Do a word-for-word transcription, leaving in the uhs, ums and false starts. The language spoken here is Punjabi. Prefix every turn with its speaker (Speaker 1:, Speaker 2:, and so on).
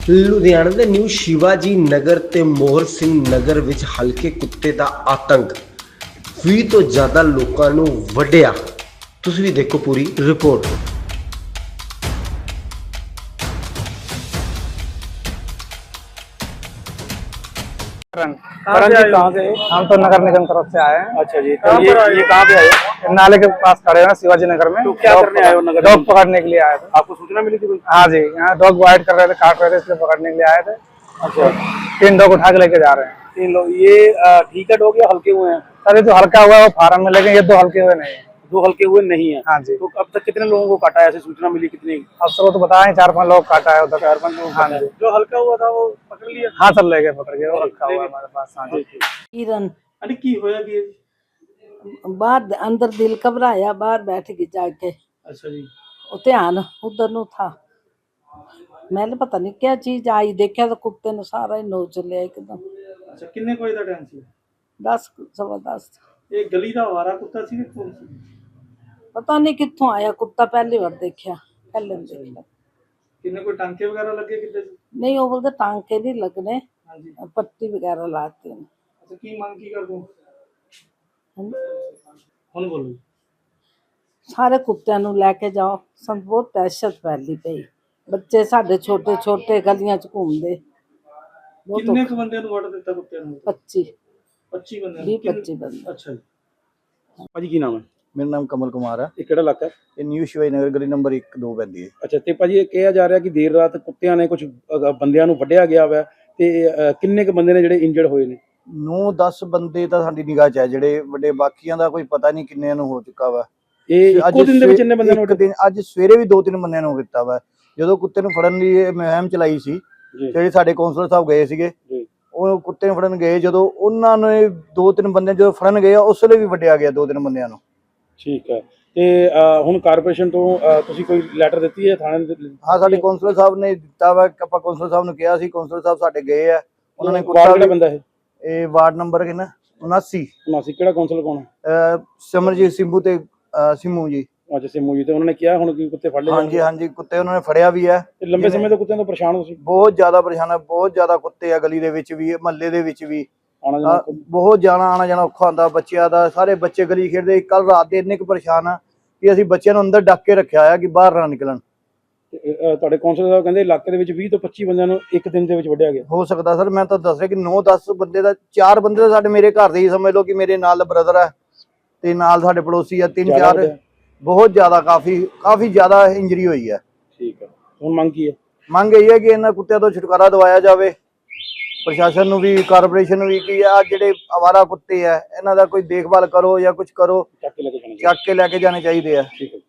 Speaker 1: ਲੁਧਿਆਣਾ ਦੇ ਨਿਊ ਸ਼ਿਵਾਜੀ ਨਗਰ ਤੇ ਮੋਹਰ ਸਿੰਘ ਨਗਰ ਵਿੱਚ ਹਲਕੇ ਕੁੱਤੇ ਦਾ ਆਤੰਕ ਵੀਹ ਤੋਂ ਜ਼ਿਆਦਾ ਲੋਕਾਂ ਨੂੰ ਵੱਢਿਆ। ਤੁਸੀਂ ਵੀ ਦੇਖੋ ਪੂਰੀ ਰਿਪੋਰਟ।
Speaker 2: करण जी कहाँ से? हम तो नगर निगम तरफ से आए हैं।
Speaker 3: अच्छा जी, तो ये ये कहाँ पे आए?
Speaker 2: नाले के पास खड़े हैं शिवाजी नगर में।
Speaker 3: तो क्या करने आए हो नगर?
Speaker 2: डॉग पकड़ने के लिए आए थे।
Speaker 3: आपको सूचना मिली थी कोई?
Speaker 2: हाँ जी, यहाँ डॉग वाइट कर रहे थे, काट रहे थे, इसलिए पकड़ने के लिए आए थे।
Speaker 3: अच्छा,
Speaker 2: तीन डॉग उठा के लेके जा रहे हैं।
Speaker 3: तीन लोग। ये ठीक है डॉग या हल्के हुए हैं?
Speaker 2: सर ये जो हल्का हुआ है वो फार्म में, लेकिन ये दो हल्के हुए नहीं है।
Speaker 3: दो हल्के हुए नहीं है।
Speaker 2: हाँ जी।
Speaker 3: तो अब तक कितने लोगों को काटा है? ऐसी सूचना मिली कितनी?
Speaker 2: अफसर को तो बताए चार पांच लोग काटा है उधर।
Speaker 3: चार पांच लोग।
Speaker 2: हाँ जी।
Speaker 3: जो हल्का हुआ था वो पकड़ लिया?
Speaker 2: हाँ सर ले गए पकड़ के, वो रखा हुआ है हमारे पास। हाँ जी।
Speaker 4: किरण
Speaker 3: अरे की होया कि?
Speaker 4: बाहर अंदर दिल घबराया, बाहर बैठ गई जाके।
Speaker 3: अच्छा जी।
Speaker 4: वो ध्यान उधर नु था। मैंने पता नहीं क्या चीज आई, देखा तो कुत्ते ने सारा ही नोच लिया एकदम।
Speaker 3: अच्छा, किन्ने कोई दा टाइम सी?
Speaker 4: दस सवा दस।
Speaker 3: ये गली दा आवारा कुत्ता सी कि कौन सी?
Speaker 4: पता नहीं कित्थों आया कुत्ता, पहली बार देखा, पहले नहीं देखा।
Speaker 3: किन्ने कोई टांके वगैरह लगे किते?
Speaker 4: नहीं वो बोलते टांके नहीं लगने,
Speaker 3: हाँ जी।
Speaker 4: पट्टी वगैरह लाते हैं।
Speaker 3: अच्छा, की मांग की कर दूं?
Speaker 4: हैं?
Speaker 3: हुन बोलो।
Speaker 4: ਸਾਰੇ ਕੁੱਤਿਆਂ ਨੂੰ ਲੈ ਕੇ ਜਾਓ। ਸਾਨੂੰ ਬਹੁਤ ਦਹਿਸ਼ਤ ਫੈਲੀ ਪਈ। ਬੱਚੇ ਸਾਡੇ ਛੋਟੇ ਛੋਟੇ ਗਲੀਆਂ 'ਚ ਘੁੰਮਦੇ। ਬਹੁਤ
Speaker 3: ਕਿੰਨੇ ਕੁ ਬੰਦਿਆਂ ਨੂੰ ਵੜ ਦਿੱਤਾ ਕੁੱਤਿਆਂ ਨੂੰ?
Speaker 4: ਪੱਚੀ
Speaker 3: ਪੱਚੀ ਬੰਦਿਆਂ
Speaker 4: ਵੀਹ
Speaker 3: ਨੂੰ?
Speaker 4: ਪੱਚੀ ਬੰਦੇ।
Speaker 3: ਅੱਛਾ ਜੀ। ਭਾਜੀ ਕੀ ਨਾਮ ਹੈ?
Speaker 5: ਮੇਰਾ ਨਾਮ ਕਮਲ ਕੁਮਾਰ ਹੈ।
Speaker 3: ਇਹ ਕਿਹੜਾ ਇਲਾਕਾ ਹੈ?
Speaker 5: ਇਹ ਨਿਊ ਸ਼ਿਵਾਜੀ ਨਗਰ ਗਲੀ ਨੰਬਰ ਇੱਕ ਦੋ ਪੈਂਦੀ ਹੈ।
Speaker 3: ਅੱਛਾ, ਤੇ ਭਾਜੀ ਇਹ ਕਿਹਾ ਜਾ ਰਿਹਾ ਕਿ ਦੇਰ ਰਾਤ ਕੁੱਤਿਆਂ ਨੇ ਕੁਝ ਬੰਦਿਆਂ ਨੂੰ ਵੱਢਿਆ ਗਿਆ ਵਾ, ਤੇ ਅ, ਕਿੰਨੇ ਕੁ ਬੰਦੇ ਨੇ ਜਿਹੜੇ ਇੰਜਰਡ ਹੋਏ ਨੇ?
Speaker 5: ਨੌ ਦਸ ਬੰਦੇ ਤਾਂ ਸਾਡੀ ਨਿਗਾਹ 'ਚ ਹੈ ਜਿਹੜੇ ਵੱਡੇ, ਬਾਕੀਆਂ ਦਾ ਕੋਈ ਪਤਾ ਨਹੀਂ ਕਿੰਨਿਆਂ ਨੂੰ ਹੋ ਚੁੱਕਾ ਵਾ।
Speaker 3: ਇਹ ਇੱਕੋ ਦਿਨ ਦੇ ਵਿੱਚ ਇੰਨੇ ਬੰਦਿਆਂ ਨੂੰ
Speaker 5: ਇੱਕ ਦਿਨ ਅੱਜ ਸਵੇਰੇ ਵੀ ਦੋ ਤਿੰਨ ਬੰਦਿਆਂ ਨੂੰ ਕੀਤਾ ਵਾ। ਜਦੋਂ ਕੁੱਤੇ ਨੂੰ ਫੜਨ ਲਈ ਇਹ ਮੁਹਿੰਮ ਚਲਾਈ ਸੀ,
Speaker 3: ਜੀ
Speaker 5: ਜਿਹੜੇ ਸਾਡੇ ਕੌਂਸਲਰ ਸਾਹਿਬ ਗਏ ਸੀਗੇ,
Speaker 3: ਜੀ,
Speaker 5: ਉਹ ਕੁੱਤੇ ਨੂੰ ਫੜਨ ਗਏ, ਜਦੋਂ ਉਹਨਾਂ ਨੇ ਦੋ ਤਿੰਨ ਬੰਦੇ ਜਦੋਂ ਫੜਨ ਗਏ ਉਸ ਵੇਲੇ ਵੀ ਵੱਢਿਆ ਗਿਆ ਦੋ ਤਿੰਨ ਬੰਦਿਆਂ ਨੂੰ।
Speaker 3: ਠੀਕ ਹੈ। ਤੇ ਅ, ਹੁਣ ਕਾਰਪੋਰੇਸ਼ਨ ਤੋਂ ਅ, ਤੁਸੀਂ ਕੋਈ ਲੈਟਰ ਦਿੱਤੀ ਹੈ ਥਾਣੇ ਦੇ?
Speaker 5: ਹਾਂ ਸਾਡੇ ਕੌਂਸਲਰ ਸਾਹਿਬ ਨੇ ਦਿੱਤਾ ਵਾ। ਆਪਾਂ ਕੌਂਸਲਰ ਸਾਹਿਬ ਨੂੰ ਕਿਹਾ ਸੀ, ਕੌਂਸਲਰ ਸਾਹਿਬ ਸਾਡੇ ਗਏ ਆ। ਉਹਨਾਂ ਨੇ
Speaker 3: ਕੁੱਤਾ ਕਿਹੜਾ ਬੰਦਾ ਇਹ?
Speaker 5: ਇਹ ਵਾਰਡ ਨੰਬਰ ਕਿੰਨਾ ਉਨਾਸੀ
Speaker 3: ਉਨਾਸੀ। ਕਿਹੜਾ ਕੌਂਸਲ ਕੌਣ ਹੈ?
Speaker 5: ਅਹ ਸਿਮਰਜੀਤ ਸਿੰਭੂ ਤੇ ਅਹ ਸਿੰਮੂ ਜੀ।
Speaker 3: ਅੱਛਾ, ਸਿੰਮੂ ਜੀ। ਤੇ ਉਹਨਾਂ ਨੇ ਕਿਹਾ ਹੁਣ ਕਿ ਕੁੱਤੇ ਫੜ ਲਏ?
Speaker 5: ਹਾਂਜੀ ਹਾਂਜੀ ਕੁੱਤੇ ਉਹਨਾਂ ਨੇ ਫੜਿਆ ਵੀ ਹੈ।
Speaker 3: ਤੇ ਲੰਬੇ ਸਮੇਂ ਤੋਂ ਕੁੱਤਿਆਂ ਤੋਂ ਪਰੇਸ਼ਾਨ ਹੋ ਤੁਸੀਂ?
Speaker 5: ਬਹੁਤ ਜ਼ਿਆਦਾ ਪਰੇਸ਼ਾਨ ਹੈ, ਬਹੁਤ ਜ਼ਿਆਦਾ ਕੁੱਤੇ ਆ ਗਲੀ ਦੇ ਵਿੱਚ ਵੀ, ਮਹੱਲੇ ਦੇ ਵਿੱਚ ਵੀ।
Speaker 3: ਆਣਾ ਜਾਣਾ?
Speaker 5: ਅਹ ਬਹੁਤ ਜਾਣਾ ਆਣਾ ਜਾਣਾ ਔਖਾ ਹੁੰਦਾ ਬੱਚਿਆਂ ਦਾ। ਸਾਰੇ ਬੱਚੇ ਗਲੀ ਖੇਡਦੇ। ਕੱਲ ਰਾਤ ਦੇ ਇੰਨੇ ਕੁ ਪਰੇਸ਼ਾਨ ਆ ਕਿ ਅਸੀਂ ਬੱਚਿਆਂ ਨੂੰ ਅੰਦਰ ਡੱਕ ਕੇ ਰੱਖਿਆ ਆ ਕਿ ਬਾਹਰ ਨਾ ਨਿਕਲਣ।
Speaker 3: ਤੇ, ਅ, ਤੁਹਾਡੇ ਕੌਂਸਲਰ ਸਾਹਿਬ ਕਹਿੰਦੇ ਇਲਾਕੇ ਦੇ ਵਿੱਚ ਵੀਹ ਤੋਂ ਪੱਚੀ ਬੰਦਿਆਂ ਨੂੰ ਇੱਕ ਦਿਨ ਦੇ ਵਿੱਚ ਵੱਢਿਆ ਗਿਆ।
Speaker 5: ਹੋ ਸਕਦਾ ਸਰ, ਮੈਂ ਤਾਂ ਦੱਸ ਰਿਹਾ ਕਿ ਨੌ ਦਸ ਬੰਦੇ ਦਾ, ਚਾਰ ਬੰਦੇ ਤਾਂ ਸਾਡੇ ਮੇਰੇ ਘਰ ਦੇ ਹੀ ਸਮਝ ਲਓ ਕਿ ਮੇਰੇ ਨਾਲ ਬ੍ਰਦਰ ਹੈ ਤੇ ਨਾਲ ਸਾਡੇ ਪੜੋਸੀ ਆ, ਤਿੰਨ
Speaker 3: ਜ਼ਿਆਦਾ
Speaker 5: ਚਾਰ। ਬਹੁਤ ਜ਼ਿਆਦਾ ਕਾਫੀ ਕਾਫੀ ਜ਼ਿਆਦਾ ਇੰਜਰੀ ਹੋਈ ਹੈ।
Speaker 3: ਠੀਕ ਹੈ। ਹੁਣ ਮੰਗ ਕੀ ਹੈ?
Speaker 5: ਮੰਗ ਇਹ ਹੈ ਕਿ ਇਹਨਾਂ ਕੁੱਤਿਆਂ ਤੋਂ ਛੁਟਕਾਰਾ ਦਿਵਾਇਆ ਜਾਵੇ। ਪ੍ਰਸ਼ਾਸਨ ਨੂੰ ਵੀ, ਕਾਰਪੋਰੇਸ਼ਨ ਨੂੰ ਵੀ, ਕਿ ਆ ਜਿਹੜੇ ਅਵਾਰਾ ਕੁੱਤੇ ਆ ਇਹਨਾਂ ਦਾ ਕੋਈ ਦੇਖਭਾਲ ਕਰੋ ਜਾਂ ਕੁਝ ਕਰੋ,
Speaker 3: ਚੱਕ ਕੇ ਲੈ ਕੇ ਜਾਣਾ?
Speaker 5: ਚੱਕ ਕੇ ਲੈ ਕੇ ਜਾਣੇ ਚਾਹੀਦੇ ਆ।
Speaker 3: ਠੀਕ ਹੈ।